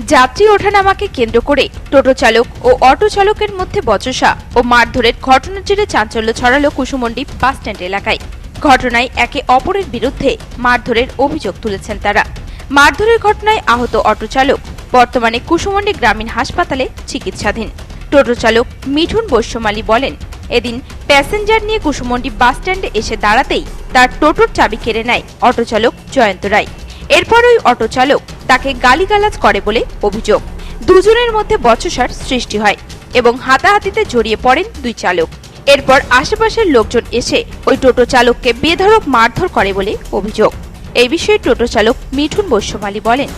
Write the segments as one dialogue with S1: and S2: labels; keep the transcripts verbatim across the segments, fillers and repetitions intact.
S1: যাত্রী ওঠানামাকে কেন্দ্র করে টোটো চালক ও অটো চালকের মধ্যে বচসা ও মারধরের ঘটনার জেরে চাঞ্চল্য ছড়ালো কুসুমন্ডি বাসস্ট্যান্ড এলাকায়। ঘটনায় একে অপরের বিরুদ্ধে মারধরের অভিযোগ তুলেছেন তারা। মারধরের ঘটনায় আহত অটো চালক বর্তমানে কুসুমন্ডি গ্রামীণ হাসপাতালে চিকিৎসাধীন। টোটো চালক মিঠুন বৈশ্যমালী বলেন, এদিন প্যাসেঞ্জার নিয়ে কুসুমন্ডি বাসস্ট্যান্ডে এসে দাঁড়াতেই তার টোটোর চাবি কেড়ে নেয় অটো চালক জয়ন্ত রায়। এরপর ওই অটো চালক তাকে গালিগালাজ করে বলে অভিযোগ। দুজনের মধ্যে বচসার সৃষ্টি হয় এবং হাতাহাতিতে জড়িয়ে পড়েন দুই চালক। এরপর আশেপাশের লোকজন এসে ওই টোটো চালককে বেধড়ক মারধর করে বলে অভিযোগ। এই বিষয়ে টোটো চালক মিঠুন বৈশ্যমালী বলেন,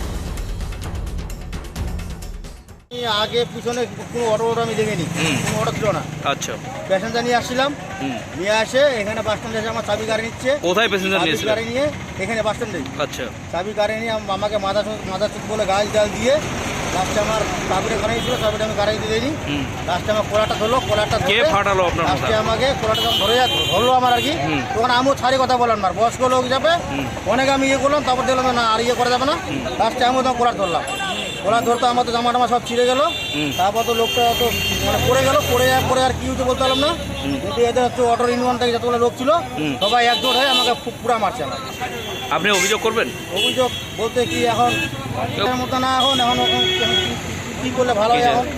S2: আগে পিছনে কোনো অটো অটো আমি দেখিনি, কোনো অটো ছিল না।
S3: আচ্ছা,
S2: প্যাসেঞ্জার নিয়ে আসছিলাম, নিয়ে আসে এখানে বাস স্ট্যান্ডে এসে আমার চাবি গাড়ি নিচ্ছে।
S3: কোথায় প্যাসেঞ্জার নিয়ে
S2: গাড়ি নিয়ে এখানে বাস স্ট্যান্ডে।
S3: আচ্ছা,
S2: চাবি গাড়ি নিয়ে আমাকে মাথা মাথা চুপ বলে গাছ ডাল দিয়ে লাস্টে আমার চাবিটা গাড়ি ছিল, চাবিটা আমি গাড়ি দিয়ে দিইনি। লাস্টে আমার কোলাটা ধরলো, কোলাটা
S3: কে ফাটালো আপনার?
S2: লাস্টে আমাকে কোলাটা যখন ধরে ধরলো আমার আর কি, তখন আমিও ছাড়ি কথা বললাম না, বয়স্ক লোক যাবে অনেক আমি ইয়ে করলাম, তারপর দেখলাম না আর ইয়ে করা যাবে না। লাস্টে আমিও তখন কোলার ধরলাম, কোলার ধরতে আমার তো জামা টামা সব ছিঁড়ে গেল। তারপর তো লোকটা তো মানে পড়ে গেল, পড়ে পরে আর কি হতে বলতে পারলাম না। কিন্তু এদের হচ্ছে অটোর ইউনিয়ন থেকে যতগুলো লোক ছিল সবাই একজোট হয়ে আমাকে পুরা মারছে। আমার
S3: আপনি অভিযোগ করবেন?
S2: অভিযোগ বলতে কি এখন মতো না, এখন এখন কি করলে ভালো হয় এখন।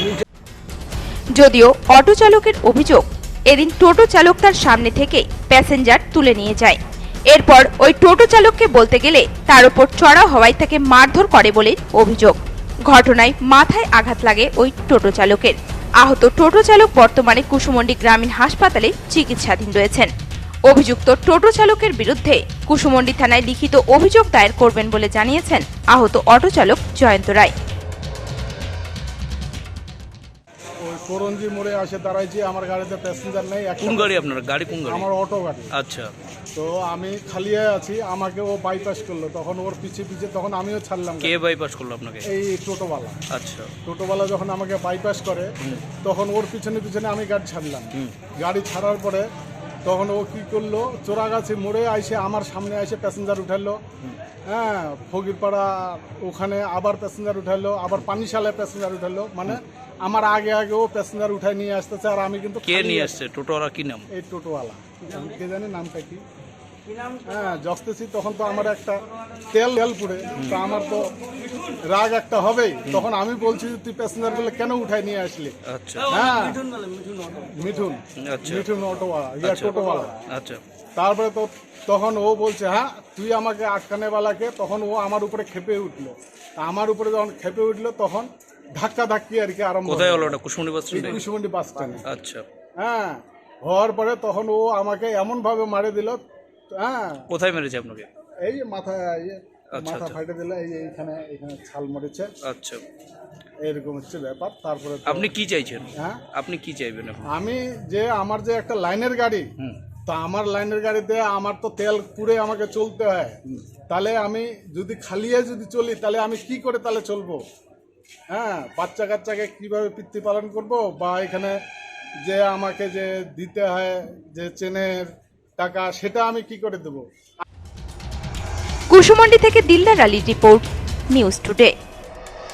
S1: যদিও অটো চালকের অভিযোগ, এদিন টোটো চালক তার সামনে থেকে প্যাসেঞ্জার তুলে নিয়ে যায়। এরপর ওই টোটো চালককে বলতে গেলে তার উপর চড়া হওয়ায় তাকে মারধর করে বলে অভিযোগ। ঘটনায় মাথায় আঘাত লাগে ওই টোটো চালকের। আহত টোটো চালক বর্তমানে কুসুমন্ডি গ্রামীণ হাসপাতালে চিকিৎসাধীন রয়েছেন। অভিযুক্ত টোটো চালকের বিরুদ্ধে কুসুমন্ডি থানায় লিখিত অভিযোগ দায়ের করবেন বলে জানিয়েছেন আহত অটো চালক জয়ন্ত রায়।
S4: ওই করঞ্জি মোড়ে আসে দাঁড়াইছি, আমার গাড়িতে প্যাসেঞ্জার নেই।
S3: কোন গাড়ি আপনার? গাড়ি কোন গাড়ি?
S4: আমার অটো গাড়ি।
S3: আচ্ছা,
S4: তো আমি খালিয়ে আছি, আমাকে ও বাইপাস করলো, তখন ওর পিছে পিছে তখন আমিও ছাড়লাম।
S3: কে বাইপাস করলো আপনাকে?
S4: এই টোটোওয়ালা।
S3: আচ্ছা,
S4: টোটোওয়ালা যখন আমাকে বাইপাস করে তখন ওর পিছনে পিছনে আমি গাড়ি ছাড়লাম। গাড়ি ছাড়ার পরে তখন ও কি করলো, চোরাগাছি মোড়ে আইসে আমার সামনে এসে প্যাসেঞ্জার উঠালো। হ্যাঁ, ফকিরপাড়া ওখানে আবার প্যাসেঞ্জার উঠালো, আবার পানিশালায় প্যাসেঞ্জার উঠালো। মানে আমার আগে আগে ও প্যাসেঞ্জার উঠায় নিয়ে আসতেছে, আর আমি কিন্তু
S3: কে নিয়ে আসছে? টোটোওয়ালা কি নাম?
S4: এই টোটোওয়ালা কে জানি নামটা কি। হ্যাঁ, জসতেছি তখন তো আমার একটা তেল তেল পুড়ে, তো আমার তো রাগ একটা হবেই। তখন আমি বলছি, তুই প্যাসেঞ্জার গুলো কেন উঠায় নিয়ে আসলি?
S3: আচ্ছা,
S4: হ্যাঁ, মিঠুন
S3: আচ্ছা,
S4: মিঠুন অটোওয়ালা, ইয়া টোটোওয়ালা।
S3: আচ্ছা,
S4: তারপরে তো তখন ও বলছে, হ্যাঁ তুই আমাকে আটকানেওয়ালাকে। তখন ও আমার উপরে খেপে উঠলো। আমার উপরে যখন খেপে উঠলো তখন ধাক্কা ধাক্কি আর কি আরম্ভ।
S3: কোথায় হলো এটা? কুসুমন্ডি বাস স্ট্যান্ডে?
S4: কুসুমন্ডি বাস স্ট্যান্ডে।
S3: আচ্ছা,
S4: হ্যাঁ, হওয়ার পরে তখন ও আমাকে এমন ভাবে মারে দিল। হ্যাঁ,
S3: কোথায় মেরেছে আপনাকে?
S4: এই যে মাথা
S3: আচ্ছা,
S4: মাথা ফাটে দিল, এই যে এইখানে এখানে ছাল মরেছে।
S3: আচ্ছা,
S4: এরকম হচ্ছে ব্যাপার। তারপরে
S3: আপনি কি চাইছেন?
S4: হ্যাঁ,
S3: আপনি কি চাইবেন?
S4: আমি যে আমার যে একটা লাইনের গাড়ি, তো আমার লাইনের গাড়িতে আমার তো তেল পুড়ে আমাকে চলতে হয়। তাহলে আমি যদি খালিয়ে যদি চলি তাহলে আমি কি করে তাহলে চলবো? হ্যাঁ, বাচ্চা কাচ্চাকে কীভাবে পিতৃ পালন করব, বা এখানে যে আমাকে যে দিতে হয় যে চেনের টাকা, সেটা আমি কি করে দেবো?
S1: কুসুমন্ডি থেকে দিলদার আলীর রিপোর্ট, নিউজ টুডে।